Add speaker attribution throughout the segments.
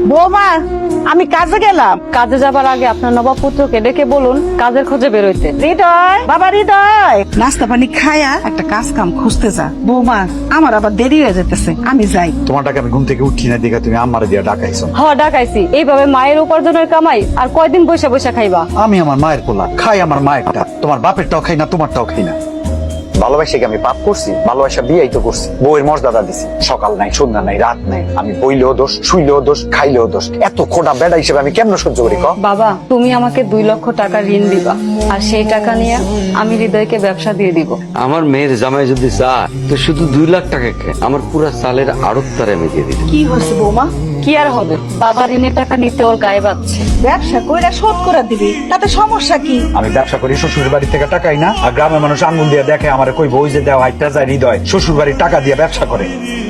Speaker 1: বৌমা, আমি কাজে গেলাম।
Speaker 2: কাজে যাবার আগে আপনার নবাবপুত্রকে ডেকে বলুন কাজের খোঁজে বেরোইতে।
Speaker 1: হৃদয়, বাবা হৃদয়, নাস্তা পানি খায়া একটা কাজ কাম খুঁজতে যা। বৌমা, আমার আবার দেরি হয়ে যেতেছে, আমি যাই।
Speaker 3: তোমারটাকে আমি ঘুম থেকে উঠি না দেখে তুমি আমারে দিয়া ডাকাইছো।
Speaker 2: ডাকাইছি। এইভাবে মায়ের উপার্জনের কামাই আর কয়দিন বৈশা বৈশা খাইবা?
Speaker 3: আমি আমার মায়ের পোলা, খাই আমার মায়েরটা, তোমার বাপেরটাও খাই না, তোমারটাও খাই না। ভালোবাসে কি আমি পাপ করছি? ভালোবাসা বিয়েই তো করছি, বউয়ের মর্যাদা দিছি। সকাল নাই, সন্ধ্যা নাই, রাত নাই, আমি বইলেও দোষ, শুইলেও দোষ, খাইলেও দোষ। এত খোটা বেড়া হিসেবে আমি কেমন সহ্য করি?
Speaker 2: বাবা, তুমি আমাকে 2 লক্ষ টাকা ঋণ দিবা, আর সেই টাকা নিয়ে আমি হৃদয়কে ব্যবসা দিয়ে দিব।
Speaker 4: আমার মেয়ের জামাই যদি চায় তো শুধু 2 লাখ টাকা আমার পুরো সালের আড়ত তারে আমি দিয়ে দিই।
Speaker 1: কি হয়েছে বৌমা?
Speaker 2: কি আর হবে, বাবা ঋণের টাকা নিতে ওর গায়ে বাজছে।
Speaker 1: ব্যবসা কইরা শোধ করে দিবি, তাতে সমস্যা কি?
Speaker 3: আমি ব্যবসা করি শ্বশুর বাড়ি থেকে টাকাই না, আর গ্রামের মানুষ আঙ্গুল দিয়ে দেখে আমার কই বই যে দেওয়া হাইটা যায় হৃদয় শ্বশুর বাড়ির টাকা দিয়ে ব্যবসা করে।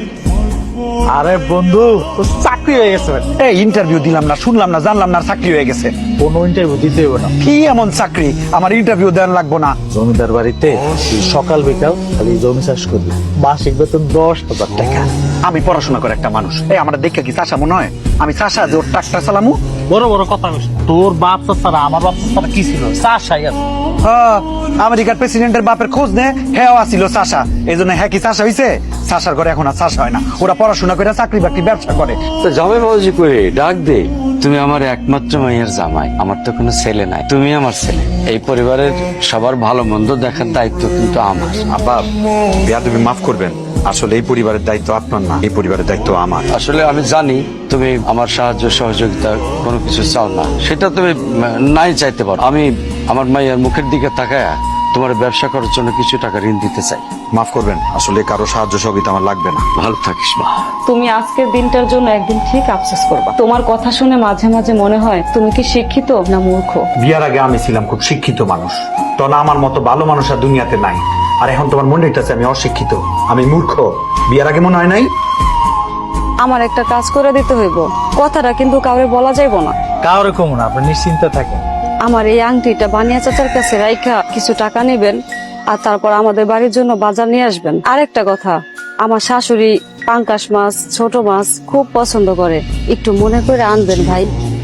Speaker 5: আরে বন্ধু, তো চাকরি হয়ে গেছে।
Speaker 3: এই ইন্টারভিউ দিলাম না, শুনলাম না, জানলাম না, চাকরি হয়ে গেছে।
Speaker 5: কোনো ইন্টারভিউ দিতে হবে না।
Speaker 3: কি এমন চাকরি আমার ইন্টারভিউ দেন লাগবো না?
Speaker 5: জমিদার বাড়িতে তুই সকাল বিকাল খালি জমি চাষ করবি, মাসিক বেতন 10,000 টাকা।
Speaker 3: আমি পড়াশোনা করে একটা মানুষ, এই আমার দেখে কি চাষা মনে হয়? আমি চাষা যে ওর ট্রাক্টর চালামু?
Speaker 5: বড় বড় কথা বলিস না। তোর বাপ ছাড়া আমার বাপ ছাড়া কি ছিল? চাষাই আছে।
Speaker 3: হ্যাঁ, আমেরিকার প্রেসিডেন্টের বাপের খোঁজ নে, হ্যাঁ আসিল চাষা। এই জন্য হ্যাঁ কি চাষা হয়েছে? চাষার ঘরে এখন আর চাষা হয় না, ওরা পড়াশোনা করে চাকরি বাকরি ব্যবসা করে।
Speaker 4: তো জামাই বাবাজি করে ডাক দে, তুমি আমার একমাত্র মাইয়ের জামাই, আমার তো কোনো ছেলে নাই, তুমি আমার ছেলে। এই পরিবারের সবার ভালো মন্দ দেখার দায়িত্ব কিন্তু আমার।
Speaker 3: আব্বা, বিয়া তুমি মাফ করবেন, আসলে এই পরিবারের দায়িত্ব আপনার না, এই পরিবারের দায়িত্ব আমার।
Speaker 4: আসলে আমি জানি তুমি আমার সাহায্য সহযোগিতা কোনো কিছু চাও না, সেটা তুমি নাই চাইতে পারো। আমি আমার মাইয়ার মুখের দিকে তাকায় তোমার ব্যবসা করার জন্য কিছু টাকা ঋণ দিতে চাই।
Speaker 3: মাফ করবেন, আসলে কারো সাহায্য সহযোগিতা আমার লাগবে না।
Speaker 4: ভালো থাকিস মা।
Speaker 2: তুমি আজকের দিনটার জন্য একদিন ঠিক আফসোস করবা। তোমার কথা শুনে মাঝে মাঝে মনে হয় তুমি কি শিক্ষিত না মূর্খ।
Speaker 3: বিয়ার আগে আমি ছিলাম খুব শিক্ষিত মানুষ, তখন আমার মতো ভালো মানুষ আর দুনিয়াতে নাই। আর এখন তোমার মনে হইতেছে আমি অশিক্ষিত, আমি মূর্খ। বিয়ার আগে মনে হয় নাই?
Speaker 2: আমার একটা কাজ করে দিতে হইব, কথাটা কিন্তু কাউরে বলা যাইব না।
Speaker 5: কাউরে কম না, আপনি নিশ্চিন্তে থাকেন।
Speaker 2: আমার এই আংটিটা বানিয়া চাচার কাছে রাইখা কিছু টাকা নেবেন, আর তারপর আমাদের বাড়ির জন্য বাজার নিয়ে আসবেন। আরেকটা কথা, আমার শাশুড়ি পাঙ্কাশ মাছ, ছোট মাছ খুব পছন্দ করে, একটু মনে করে আনবেন ভাই।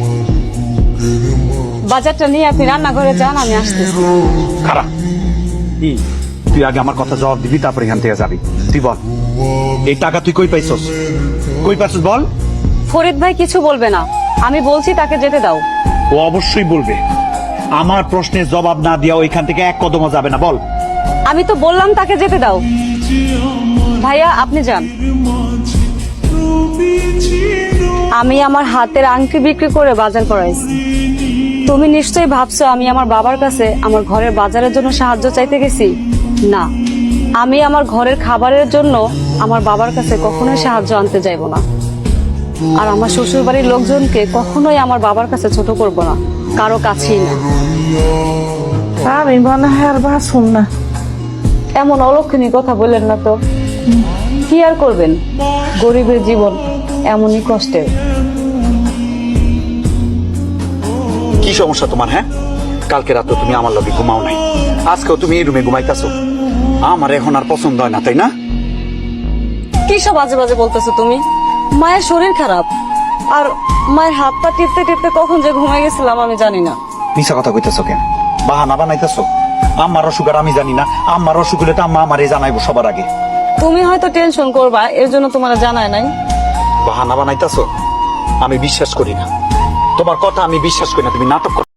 Speaker 2: বাজারটা নিয়ে আপনি রান্নাঘরে যান, আমি আসতেছি।
Speaker 3: খারাপ কি? তুই আগে আমার কথা জবাব দিবি, তারপর এখান থেকে যাবি। তুই বল, এই টাকা তুই কই পাইছস? কই পাইছস বল।
Speaker 2: ফরিদ ভাই কিছু বলবে না, আমি বলছি তাকে যেতে দাও।
Speaker 3: ও অবশ্যই বলবে। আমার প্রশ্নের জবাব না দিয়া ওইখান থেকে এক কদমও যাবে না। বল।
Speaker 2: আমি তো বললাম তাকে যেতে দাও। ভাইয়া আপনি যান। আমি আমার হাতের আংটি বিক্রি করে বাজার করাইছি। তুমি নিশ্চয়ই ভাবছো আমি আমার বাবার কাছে আমার ঘরের বাজারের জন্য সাহায্য চাইতে গেছি। না, আমি আমার ঘরের খাবারের জন্য আমার বাবার কাছে কখনোই সাহায্য আনতে যাইব না। আর আমার শ্বশুর বাড়ির লোকজনকে কখনোই আমার বাবার কাছে ছোট করব না, কারো কাছেই না।
Speaker 1: আমি মনে হয় আর বাঁচুম না।
Speaker 2: এমন অলক্ষণী কথা বললেন না তো। কি আর করবেন, গরিবের জীবন এমনই কষ্টের।
Speaker 3: কি সমস্যা তোমার? হ্যাঁ, কালকে রাতে তুমি আমার লগে ঘুমাও নাই, আজকেও তুমি এই রুমে ঘুমাইতেছো। আমার এখন আর পছন্দ হয় না, তাই না?
Speaker 2: কি সব বাজে বাজে বলতেছো তুমি? মায়ের শরীর খারাপ, আর মায়ের হাত পা টিপতে টিপতে কখন যে ঘুমাই গেছিলাম আমি জানি না।
Speaker 3: মিছা কথা কইতেছো কেন? বাহানা বানাইতেছো? আমার অসুখ আর আমি জানি না? আমার অসুখ হলে তো আম্মা আমারে জানাইবো সবার আগে।
Speaker 2: তুমি হয়তো টেনশন করবা, এর জন্য তোমার জানায় নাই।
Speaker 3: বাহানা বানাইতেছো? আমি বিশ্বাস করি না তোমার কথা, আমি বিশ্বাস করি না। তুমি নাটক